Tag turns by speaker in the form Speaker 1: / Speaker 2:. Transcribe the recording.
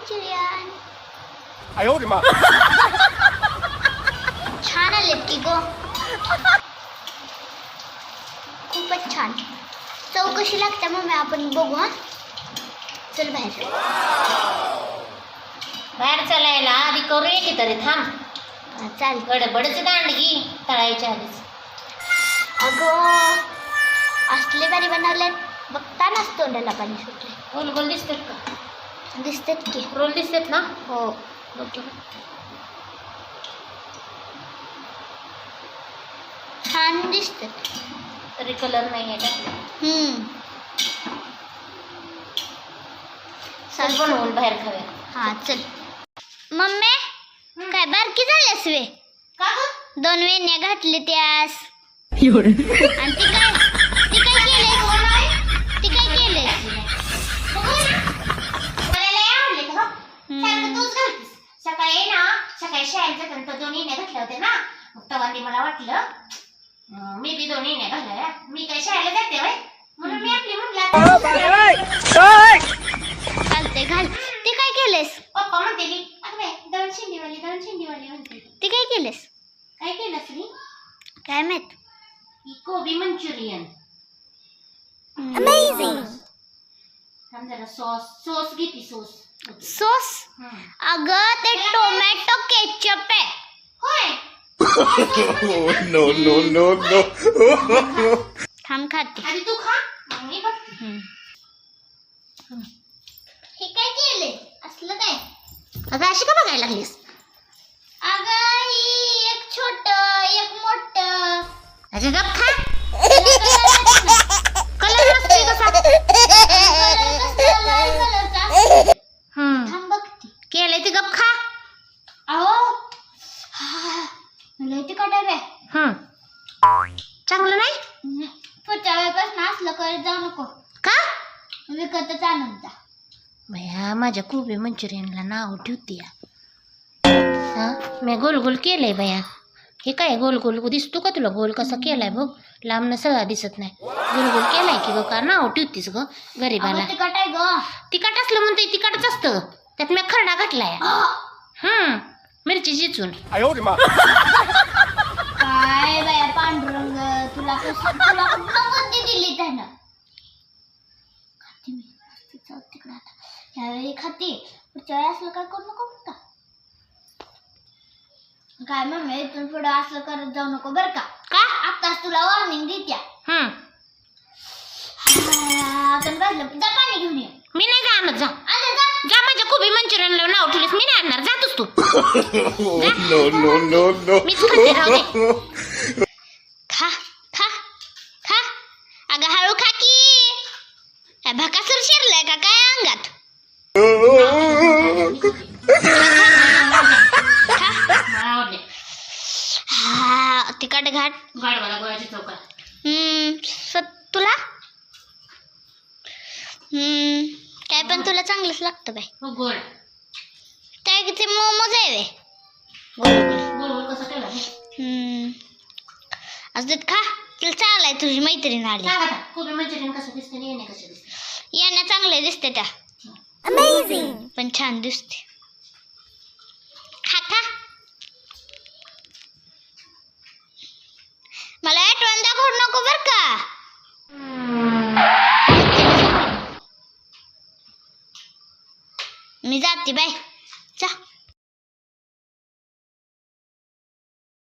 Speaker 1: Manchurian.
Speaker 2: 哎呦我的妈！
Speaker 1: छान आलेत की गो. खूपच छान. चव कशी लागते मम्मी आपण बघू. हा चल बाहेर.
Speaker 3: बाहेर चलायला आधी करूया की तरी थांब.
Speaker 1: चाल.
Speaker 3: गडबडच दांडगी तळायच्या आधीच.
Speaker 1: अगं असले भारी बनवले बघतानाच तोंडाला पाणी सुटले.
Speaker 3: गोल गोल दिसतात का?
Speaker 1: दिसतात की.
Speaker 3: रोल दिसतात ना?
Speaker 1: हो.
Speaker 3: बघ.
Speaker 1: छान दिसतात.
Speaker 3: तरी कलर नाही आहे चल बनवून बाहेर खाऊया.
Speaker 1: हा चल. मम्मी काय बारकी झाल्यास वे.
Speaker 3: का ग?
Speaker 1: 2 वेण्या घातली त्यास. आणि ती काय केलेस.
Speaker 3: सकाळी शाळेत जाताना 2 वेण्या घातल्या होत्या ना. मग तेव्हा ते मला वाटलं मी बी 2 वेण्या घालल्या. मी काय शाळेला जाते बाई म्हणून मी आपली म्हणलं
Speaker 1: चालते घाल. ती काय केलेस.
Speaker 3: पप्पा म्हणते मी अरे दळण शेंडीवाली म्हणते.
Speaker 1: ती काय केलेस.
Speaker 3: काय केलं श्री.
Speaker 1: काय माहित.
Speaker 3: कोबी मंचुरियन.
Speaker 1: अमेझिंग.
Speaker 3: थांब जरा सॉस घेते सॉस.
Speaker 1: अगं ते टोमॅटो केचप आहे.
Speaker 3: होय.
Speaker 2: No no no no.
Speaker 1: थांब खाते.
Speaker 3: आधी तू खा मग मी बघते.
Speaker 1: हे काय केले असलं काय.
Speaker 3: अगं अशी का बघायला लागलीस.
Speaker 1: अगं ही एक छोट एक मोठं.
Speaker 3: अगं गप खा. कलर नसतोय कसा.
Speaker 1: थांब बघते.
Speaker 3: केलंय ते गप खा.
Speaker 1: अहो मला ते कटाय
Speaker 3: चांगलं नाही.
Speaker 1: पुढच्या वेळेपासून असलं करत जाऊ नको.
Speaker 3: का.
Speaker 1: विकतच आणून जा.
Speaker 3: भया माझ्या कोबी मंचुरियनला नाव ठेवते या. मी गोल गोल केलंय बया. हे काय गोल गोल दिसतो का तुला. गोल कसा केलाय बघ. लांबनं सगळा दिसत नाही. गोल गोल केलाय की ग. का नाव ठेवतीस ग गरीबाला.
Speaker 1: तिखट आहे ग.
Speaker 3: तिखट असलं म्हणते तिखटच असतं. त्यात मी खरडा घातलाय. मिरची चिचून.
Speaker 2: 哎呦我的妈！
Speaker 1: काय बाया पांडुरंग तुला तुला बुद्धी दिली त्यानं. खाते मी तिकडे आता. ह्यावेळी खाते. पुढच्या वेळी असलं काय करू नको का. काय मम्मी इथून पुढे असलं करत जाऊ नको बरं का. आत्ताच तुला वॉर्निंग देत्या. आपण बसलं जा पाणी घेऊन ये.
Speaker 3: मी नाही जाणार. जा जा माझ्या कोबी मंचुरियनला नाव ठेवलीस. मी नाही आणणार. जातोस तू.
Speaker 2: No no no no.
Speaker 3: मीच खाते राहू दे.
Speaker 1: खा खा खा. अगं हळू खा की. काय भकासूर शिरलाय का काय अंगात. हा तिखट घाट.
Speaker 3: गाडवाला गोळ्याची चौकात.
Speaker 1: तुला काय पण तुला चांगलंच लागतं बाई.
Speaker 3: हो गोड.
Speaker 1: काय किती मोमोज आहे वे.
Speaker 3: गोल गोल कसं केलं.
Speaker 1: असं खा. तुला चालाय तुझी मैत्रीण आली.
Speaker 3: कोबी मंचुरियन कसं दिसते आणि येणे कसं दिसते.
Speaker 1: येण्या चांगले दिसते त्या. अमेझिंग. पण छान दिसते. खा खा. मला आठवण दाखवू नको बर का. मी जाते बाय.